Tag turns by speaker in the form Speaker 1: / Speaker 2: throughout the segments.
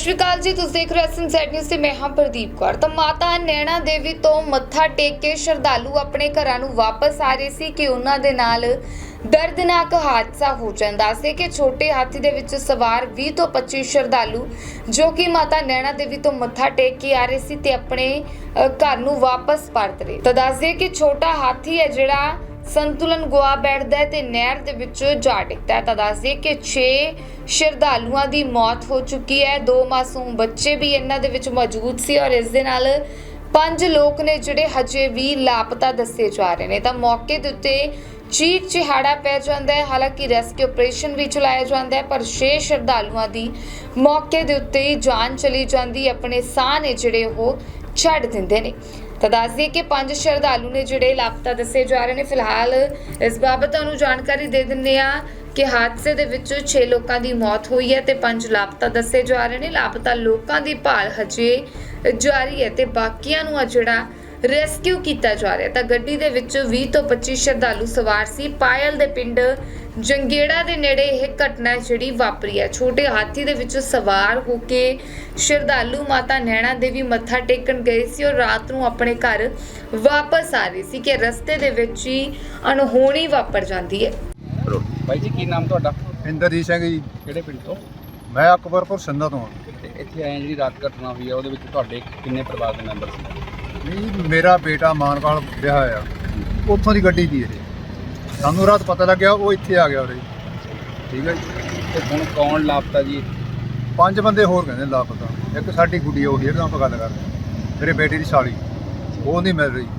Speaker 1: श्री अकाल जी, तुसीं देख रहे हो SNZ न्यूज़ ते मैं हां प्रदीप कौर। तो माता नैना देवी तो मत्था टेक के श्रद्धालु अपने घरां नूं वापस आ रहे सी कि उन्हां दे नाल दर्दनाक हादसा हो जांदा सी कि छोटे हाथी दे विच सवार 20 ਤੋਂ 25 श्रद्धालु जो कि माता नैना देवी तो मत्था टेक के आ रहे सी ते अपने घर नूं वापस परत रहे। तो दस दे कि छोटा हाथी है जिहड़ा संतुलन गुआ बैठदा है ते नहर दे विच जा डिगदा है। तो दस दे कि 6 श्रद्धालुआं दी मौत हो चुकी है, 2 मासूम बच्चे भी इन्हां दे विच मौजूद सी और इस दे नाल 5 लोग ने जिहड़े हजे भी लापता दस्से जा रहे ने। तां मौके दे उत्ते चीख चिहाड़ा पै जांदा है। हालांकि रेस्क्यू ऑपरेशन भी चलाया जांदा है पर 6 श्रद्धालुआं दी मौके दे उत्ते ही जान चली जांदी, अपने साह ने जिहड़े ओह छड्ड दिंदे ने। तो दस दिए कि 5 श्रद्धालु ने जिहड़े लापता दस्से जा रहे हैं। फिलहाल इस बाबत तुहानूं जानकारी दे दिंदे आ कि हादसे दे विच 6 लोगों की मौत हुई है तो 5 लापता दस्से जा रहे हैं। लापता लोगों की भाल हजे जारी है तो बाकियां नूं जिहड़ा रेस्क्यू किया जा रहा है। तो गड्डी दे विच 20 ਤੋਂ 25 श्रद्धालु सवार सी। पायल दे पिंड जंगेड़ा दे नेड़े यह घटना जिहड़ी वापरी है। छोटे हाथी दे विच सवार होके श्रद्धालु माता नैना देवी मत्था टेकन गए सी और रात नूं अपने घर वापस आ रहे सी कि रस्ते दे विच ही अनहोनी वापर जाती है।
Speaker 2: भाई जी की नाम ਤੁਹਾਡਾ?
Speaker 3: ਇੰਦਰਜੀਤ ਸਿੰਘ ਜੀ।
Speaker 2: ਕਿਹੜੇ ਪਿੰਡ ਤੋਂ?
Speaker 3: ਮੈਂ ਅਕਬਰਪੁਰ ਸੰਧਾ ਤੋਂ ਹਾਂ।
Speaker 2: ਤੇ ਇੱਥੇ ਆਏ ਜਿਹੜੀ ਰਾਤ ਘਟਨਾ ਹੋਈ ਆ ਉਹਦੇ ਵਿੱਚ ਤੁਹਾਡੇ ਕਿੰਨੇ ਪਰਿਵਾਰ ਦੇ ਮੈਂਬਰ ਸੀ?
Speaker 3: ਨਹੀਂ, ਮੇਰਾ ਬੇਟਾ ਮਾਨਵਾਲ ਵਿਆਹ ਆ, ਉੱਥੋਂ ਦੀ ਗੱਡੀ ਦੀ ਇਹ ਸਾਨੂੰ ਰਾਤ ਪਤਾ ਲੱਗਿਆ, ਉਹ ਇੱਥੇ ਆ ਗਿਆ ਉਰੇ। ਠੀਕ ਹੈ ਜੀ।
Speaker 2: ਤੇ ਹੁਣ ਕੌਣ ਲਾਪਤਾ ਜੀ?
Speaker 3: 5 ਬੰਦੇ ਹੋਰ ਕਹਿੰਦੇ ਲਾਪਤਾ। ਇੱਕ ਸਾਡੀ ਗੁੱਡੀ ਉਹੀ ਜਿਹੜਾ ਆਪਾਂ ਗੱਲ ਕਰਦੇ, ਮੇਰੇ ਬੇਟੇ ਦੀ ਸਾਲੀ, ਉਹ ਨਹੀਂ ਮਿਲ ਰਹੀ।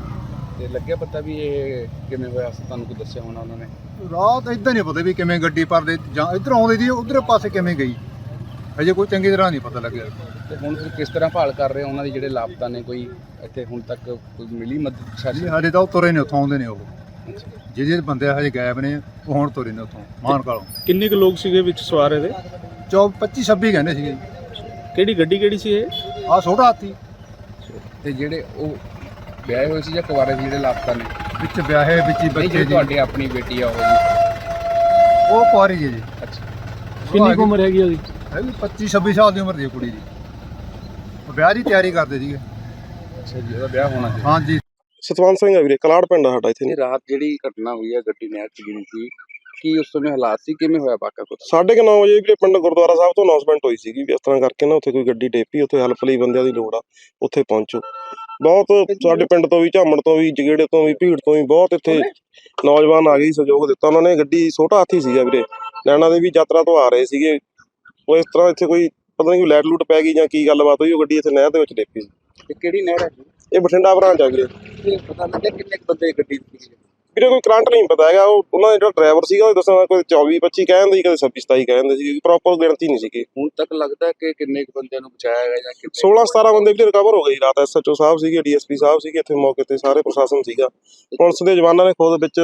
Speaker 2: ਤੇ ਲੱਗਿਆ ਪਤਾ ਵੀ ਇਹ ਕਿਵੇਂ ਹੋਇਆ? ਤੁਹਾਨੂੰ ਕੋਈ ਦੱਸਿਆ ਹੋਣਾ ਉਹਨਾਂ ਨੇ?
Speaker 3: ਰਾਤ ਇੱਦਾਂ ਨਹੀਂ ਪਤਾ ਵੀ ਕਿਵੇਂ ਗੱਡੀ ਪਰਦੇ ਜਾਂ ਇੱਧਰ ਆਉਂਦੀ ਦੀ ਉੱਧਰ ਪਾਸੇ ਕਿਵੇਂ ਗਈ, ਅਜੇ ਕੋਈ ਚੰਗੀ ਤਰ੍ਹਾਂ ਨਹੀਂ ਪਤਾ ਲੱਗਿਆ।
Speaker 2: ਤੇ ਹੁਣ ਤੁਸੀਂ ਕਿਸ ਤਰ੍ਹਾਂ ਭਾਲ ਕਰ ਰਹੇ ਹੋ ਉਹਨਾਂ ਦੀ ਜਿਹੜੇ ਲਾਪਤਾ ਨੇ? ਕੋਈ ਇੱਥੇ ਹੁਣ ਤੱਕ ਕੋਈ ਮਿਲੀ ਮਦਦ?
Speaker 3: ਸਾਡੇ ਤਾਂ ਉਹ ਤੁਰੇ ਨੇ, ਉੱਥੋਂ ਆਉਂਦੇ ਨੇ ਉਹ ਜਿਹੜੇ ਬੰਦੇ ਹਜੇ ਗਾਇਬ ਨੇ, ਉਹ ਹੁਣ ਤੁਰੇ ਨੇ ਉੱਥੋਂ ਮਾਨਕਾਲੋਂ।
Speaker 4: ਕਿੰਨੇ ਕੁ ਲੋਕ ਸੀਗੇ ਵਿੱਚ ਸਵਾਰ ਇਹਦੇ?
Speaker 3: 25-26 ਕਹਿੰਦੇ ਸੀਗੇ।
Speaker 4: ਕਿਹੜੀ ਗੱਡੀ ਕਿਹੜੀ ਸੀ ਇਹ?
Speaker 3: ਆਹ ਛੋਟਾ ਹਾਥੀ।
Speaker 2: ਤੇ ਜਿਹੜੇ ਉਹ ਵਿਆਹੇ ਹੋਏ ਸੀ ਜਾਂ ਕੁਆਰੇ ਸੀ ਜਿਹੜੇ ਲਾਪਤਾ ਨੇ?
Speaker 3: ਵਿੱਚ ਵਿਆਹੇ ਵਿੱਚ ਹੀ ਬੱਚੇ ਜੀ।
Speaker 2: ਤੁਹਾਡੀ ਆਪਣੀ ਬੇਟੀ ਆ ਉਹ ਜੀ?
Speaker 3: ਉਹ ਕੁਆਰੀ ਜੀ।
Speaker 2: ਅੱਛਾ,
Speaker 4: ਕਿੰਨੀ ਕੁ ਉਮਰ ਹੈਗੀ ਉਹਦੀ?
Speaker 3: ਹੈਗੀ 25-26 ਸਾਲ ਦੀ ਉਮਰ ਦੀ ਕੁੜੀ ਦੀ। ਉਹ ਵਿਆਹ ਦੀ ਤਿਆਰੀ ਕਰਦੇ ਸੀਗੇ।
Speaker 2: ਅੱਛਾ ਜੀ, ਉਹਦਾ ਵਿਆਹ ਹੋਣਾ ਸੀ?
Speaker 3: ਹਾਂਜੀ।
Speaker 5: ਸਤਵੰਤ ਸਿੰਘ ਆ ਵੀਰੇ, ਕਲਾੜ ਪਿੰਡ ਆ ਸਾਡਾ ਇੱਥੇ।
Speaker 2: ਇਹ ਰਾਤ ਜਿਹੜੀ ਘਟਨਾ ਹੋਈ ਹੈ ਗੱਡੀ ਨਹਿਰ 'ਚ ਗਿਰੀ ਸੀ, ਕੀ ਉਸ ਸਮੇਂ ਹਾਲਾਤ ਸੀ? ਕਿਵੇਂ ਹੋਇਆ ਵਾਕਾ ਕੁਝ?
Speaker 5: 9:30 ਵਜੇ ਵੀਰੇ ਪਿੰਡ ਗੁਰਦੁਆਰਾ ਸਾਹਿਬ ਤੋਂ ਅਨਾਉਂਸਮੈਂਟ ਹੋਈ ਸੀਗੀ ਵੀ ਇਸ ਤਰ੍ਹਾਂ ਕਰਕੇ ਨਾ ਉੱਥੇ ਕੋਈ ਗੱਡੀ ਡੇਪੀ, ਉੱਥੇ ਹੈਲਪ ਲਈ ਬੰਦਿਆਂ ਦੀ ਲੋੜ ਆ, ਉੱਥੇ ਪਹੁੰਚੋ। ਬਹੁਤ ਸਾਡੇ ਪਿੰਡ ਤੋਂ ਵੀ, ਝਾਮਣ ਤੋਂ ਵੀ, ਜਗੇੜੇ ਤੋਂ ਵੀ, ਭੀੜ ਤੋਂ ਵੀ ਬਹੁਤ ਇੱਥੇ ਨੌਜਵਾਨ ਆ ਗਏ, ਸਹਿਯੋਗ ਦਿੱਤਾ ਉਹਨਾਂ ਨੇ। ਗੱਡੀ ਛੋਟਾ ਹਾਥੀ ਸੀਗਾ ਵੀਰੇ, ਨੈਣਾ ਦੇਵੀ ਯਾਤਰਾ ਤੋਂ ਆ ਰਹੇ ਸੀਗੇ। ਉਹ ਇਸ ਤਰ੍ਹਾਂ ਇੱਥੇ ਕੋਈ ਪਤਾ ਨਹੀਂ ਕੋਈ ਲਾਈਟ ਲੂਟ ਪੈ ਗਈ ਜਾਂ ਕੀ ਗੱਲਬਾਤ ਹੋਈ, ਉਹ ਗੱਡੀ ਇੱਥੇ ਨਹਿਰ ਦੇ ਵਿੱਚ ਡੇਪੀ ਸੀ।
Speaker 2: ਤੇ ਕਿਹੜੀ ਨਹਿਰ ਹੈ?
Speaker 5: ਇਹ ਬਠਿੰਡਾ ਬ੍ਰਾਂਚ ਆ ਵੀਰੇ।
Speaker 2: ਪਤਾ ਲੱਗਿਆ ਕਿੰਨੇ ਬੰਦੇ ਗੱਡੀ ਸੀ?
Speaker 5: ਵੀਰੇ ਕੋਈ ਕਰੰਟ ਨਹੀਂ ਪਤਾ ਹੈਗਾ। ਉਹ ਉਹਨਾਂ ਦਾ ਜਿਹੜਾ ਡਰਾਈਵਰ ਸੀਗਾ ਉਹ ਦੱਸਣਾ ਕੋਈ 24-25 ਕਹਿੰਦੇ ਸੀ, ਕਦੇ 26-27 ਕਹਿੰਦੇ ਸੀ, ਪ੍ਰੋਪਰ ਗਿਣਤੀ ਨਹੀਂ ਸੀਗੀ।
Speaker 2: ਹੁਣ ਤੱਕ ਲੱਗਦਾ ਕਿ ਕਿੰਨੇ ਕੁ ਬੰਦਿਆਂ ਨੂੰ ਬਚਾਇਆ ਗਿਆ ਜਾਂ ਕਿੰਨੇ?
Speaker 5: 16-17 ਬੰਦੇ ਵੀ ਰਿਕਵਰ ਹੋ ਗਏ ਰਾਤ। SHO ਸਾਹਿਬ ਸੀਗੇ, DSP ਸਾਹਿਬ ਸੀਗੇ ਇੱਥੇ ਮੌਕੇ ਤੇ, ਸਾਰੇ ਪ੍ਰਸ਼ਾਸਨ ਸੀਗਾ, ਪੁਲਿਸ ਦੇ ਜਵਾਨਾਂ ਨੇ ਖੁਦ ਵਿੱਚ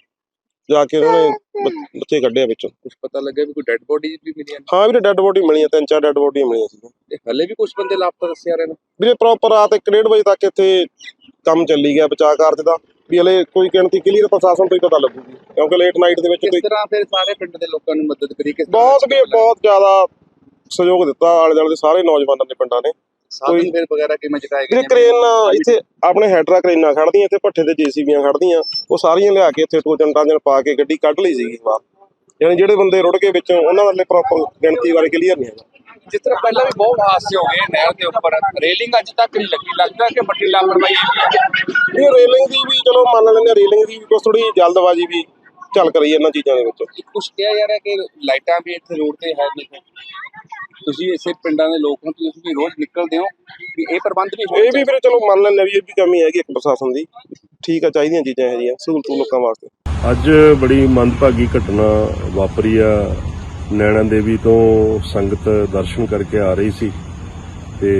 Speaker 5: ਜਾ ਕੇ ਉਹਨਾਂ ਨੇ ਬੱਚੇ ਕੱਢਿਆ ਵਿੱਚੋਂ।
Speaker 2: ਕੁਝ ਪਤਾ ਲੱਗਿਆ ਵੀ ਕੋਈ ਡੈੱਡ ਬੋਡੀ ਵੀ ਮਿਲੀਆਂ?
Speaker 5: ਹਾਂ ਵੀਰੇ, ਡੈੱਡ ਬੋਡੀ ਮਿਲੀਆਂ, 3-4 ਡੈੱਡ ਬੋਡੀਆਂ ਮਿਲੀਆਂ ਸੀ।
Speaker 2: ਤੇ ਹਲੇ ਵੀ ਕੁਝ ਬੰਦੇ ਲਾਪਤਾ ਦੱਸਿਆ ਰਹੇ ਨੇ
Speaker 5: ਵੀਰੇ। ਪ੍ਰੋਪਰ ਰਾਤ 1-1:30 ਵਜੇ ਤੱਕ ਇੱਥੇ ਕੰਮ ਚੱਲੀ ਗਿਆ ਬਚਾਅ ਕਾਰਜ ਦਾ, ਵੀ ਹਲੇ ਕੋਈ ਗਿਣਤੀ ਕਲੀਅਰ ਪ੍ਰਸ਼ਾਸਨ ਤੋਂ ਹੀ ਪਤਾ ਲੱਗੂਗੀ, ਕਿਉਂਕਿ ਲੇਟ ਨਾਈਟ ਦੇ ਵਿੱਚ
Speaker 2: ਕਿਸ ਤਰ੍ਹਾਂ ਫਿਰ ਸਾਰੇ ਪਿੰਡ ਦੇ ਲੋਕਾਂ ਨੂੰ ਮਦਦ ਕਰੀ?
Speaker 5: ਬਹੁਤ ਜ਼ਿਆਦਾ ਸਹਿਯੋਗ ਦਿੱਤਾ ਆਲੇ ਦੁਆਲੇ ਦੇ ਸਾਰੇ ਨੌਜਵਾਨਾਂ ਨੇ, ਪਿੰਡਾਂ ਨੇ।
Speaker 2: ਸਾਧਨ ਫਿਰ ਵਗੈਰਾ ਕਿਵੇਂ ਚੁਕਾਏ ਗਏ?
Speaker 5: ਕ੍ਰੇਨ ਇੱਥੇ ਆਪਣੇ ਹੈਡਰਾ ਕ੍ਰੇਨਾਂ ਖੜਦੀਆਂ, ਇੱਥੇ ਭੱਠੇ ਤੇ JCBਆਂ ਖੜਦੀਆਂ, ਉਹ ਸਾਰੀਆਂ ਲਿਆ ਕੇ ਇੱਥੇ ਟੋਜਨ ਟਾਜਨ ਪਾ ਕੇ ਗੱਡੀ ਕੱਢ ਲਈ ਸੀਗੀ ਬਾਹਰ। ਯਾਨੀ ਜਿਹੜੇ ਬੰਦੇ ਰੁੜ ਗਏ ਵਿੱਚੋਂ ਉਹਨਾਂ ਵਾਲੇ ਪ੍ਰੋਪਰ ਗਿਣਤੀ ਬਾਰੇ ਕਲੀਅਰ ਨਹੀਂ ਹੈਗਾ।
Speaker 2: ਜਿਸ ਤਰ੍ਹਾਂ ਪਹਿਲਾਂ ਵੀ ਬਹੁਤ ਹਾਦਸੇ ਹੋ ਗਏ ਨਹਿਰ ਦੇ ਉੱਪਰ, ਰੇਲਿੰਗ ਅੱਜ ਤੱਕ ਨਹੀਂ ਲੱਗੀ, ਲੱਗਦਾ ਕਿ ਵੱਡੀ ਲਾਪਰਵਾਹੀ ਹੈ।
Speaker 5: ਇਹ ਰੇਲਿੰਗ ਦੀ ਵੀ ਚਲੋ ਮੰਨ ਲੈਂਦੇ, ਰੇਲਿੰਗ ਦੀ ਵੀ ਕੁਛ ਥੋੜੀ ਜਲਦਬਾਜ਼ੀ ਵੀ ਚੱਲ ਕਰੀ ਇਹਨਾਂ ਚੀਜ਼ਾਂ ਦੇ ਵਿੱਚ।
Speaker 2: ਕੁਛ ਕਿਹਾ ਜਾ ਰਿਹਾ ਕਿ ਲਾਈਟਾਂ ਵੀ ਇੱਥੇ ਰੋਡ ਤੇ ਹੈ ਨਹੀਂ। ਤੁਸੀਂ ਇਸੇ ਪਿੰਡਾਂ ਦੇ ਲੋਕ ਹੋ, ਤੁਸੀਂ ਵੀ ਰੋਜ਼ ਨਿਕਲਦੇ ਹੋ, ਵੀ ਇਹ ਪ੍ਰਬੰਧ ਵੀ
Speaker 5: ਇਹ ਵੀ ਵੀਰੇ ਚਲੋ ਮੰਨ ਲੈਂਦੇ ਵੀ ਇਹ ਵੀ ਕਮੀ ਹੈਗੀ ਇੱਕ ਪ੍ਰਸ਼ਾਸਨ ਦੀ। ਠੀਕ ਆ, ਚਾਹੀਦੀਆਂ ਚੀਜ਼ਾਂ ਇਹੋ ਜਿਹੀਆਂ ਸਹੂਲਤ ਲੋਕਾਂ ਵਾਸਤੇ।
Speaker 6: ਅੱਜ ਬੜੀ ਮੰਦਭਾਗੀ ਘਟਨਾ ਵਾਪਰੀ ਆ। ਨੈਣਾ ਦੇਵੀ ਤੋਂ ਸੰਗਤ ਦਰਸ਼ਨ ਕਰਕੇ ਆ ਰਹੀ ਸੀ ਤੇ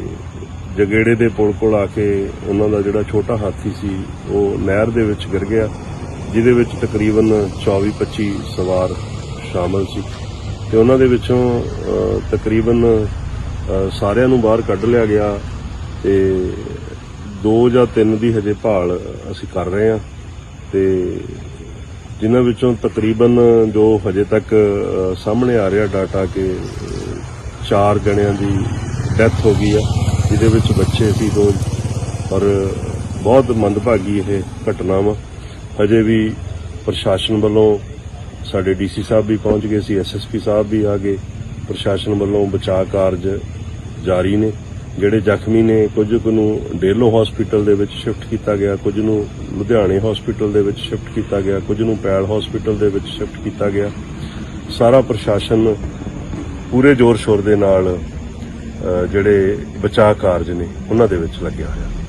Speaker 6: ਜਗੇੜੇ ਦੇ ਪੁਲ ਕੋਲ ਆ ਕੇ ਉਹਨਾਂ ਦਾ ਜਿਹੜਾ ਛੋਟਾ ਹਾਥੀ ਸੀ ਉਹ ਨਹਿਰ ਦੇ ਵਿੱਚ ਗਿਰ ਗਿਆ, ਜਿਹਦੇ ਵਿੱਚ ਤਕਰੀਬਨ 24-25 ਸਵਾਰ ਸ਼ਾਮਲ ਸੀ ਤੇ ਉਹਨਾਂ ਦੇ ਵਿੱਚੋਂ ਤਕਰੀਬਨ ਸਾਰਿਆਂ ਨੂੰ ਬਾਹਰ ਕੱਢ ਲਿਆ ਗਿਆ ਤੇ 2 ਜਾਂ 3 ਦੀ ਹਜੇ ਭਾਲ ਅਸੀਂ ਕਰ ਰਹੇ ਹਾਂ ਤੇ ਜਿਨ੍ਹਾਂ ਵਿੱਚੋਂ ਤਕਰੀਬਨ ਜੋ ਹਜੇ ਤੱਕ ਸਾਹਮਣੇ ਆ ਰਿਹਾ ਡਾਟਾ ਕਿ 4 ਜਣਿਆਂ ਦੀ ਡੈਥ ਹੋ ਗਈ ਆ, ਜਿਹਦੇ ਵਿੱਚ ਬੱਚੇ ਸੀ 2 ਔਰ ਬਹੁਤ ਮੰਦਭਾਗੀ ਇਹ ਘਟਨਾ ਵਾ। ਹਜੇ ਵੀ ਪ੍ਰਸ਼ਾਸਨ ਵੱਲੋਂ ਸਾਡੇ ਡੀਸੀ ਸਾਹਿਬ ਵੀ ਪਹੁੰਚ ਗਏ ਸੀ, ਐਸਐਸਪੀ ਸਾਹਿਬ ਵੀ ਆ ਗਏ। ਪ੍ਰਸ਼ਾਸਨ ਵੱਲੋਂ ਬਚਾਅ ਕਾਰਜ ਜਾਰੀ ਨੇ। ਜਿਹੜੇ ਜ਼ਖਮੀ ਨੇ ਕੁਝ ਕੁ ਨੂੰ ਡੇਲੋ ਹਸਪੀਟਲ ਦੇ ਵਿੱਚ ਸ਼ਿਫਟ ਕੀਤਾ ਗਿਆ, ਕੁਝ ਨੂੰ ਲੁਧਿਆਣੇ ਹਸਪੀਟਲ ਦੇ ਵਿੱਚ ਸ਼ਿਫਟ ਕੀਤਾ ਗਿਆ, ਕੁਝ ਨੂੰ ਪੈਲ ਹਸਪੀਟਲ ਦੇ ਵਿੱਚ ਸ਼ਿਫਟ ਕੀਤਾ ਗਿਆ। ਸਾਰਾ ਪ੍ਰਸ਼ਾਸਨ ਪੂਰੇ ਜ਼ੋਰ ਸ਼ੋਰ ਦੇ ਨਾਲ ਜਿਹੜੇ ਬਚਾਅ ਕਾਰਜ ਨੇ ਉਹਨਾਂ ਦੇ ਵਿੱਚ ਲੱਗਿਆ ਹੋਇਆ।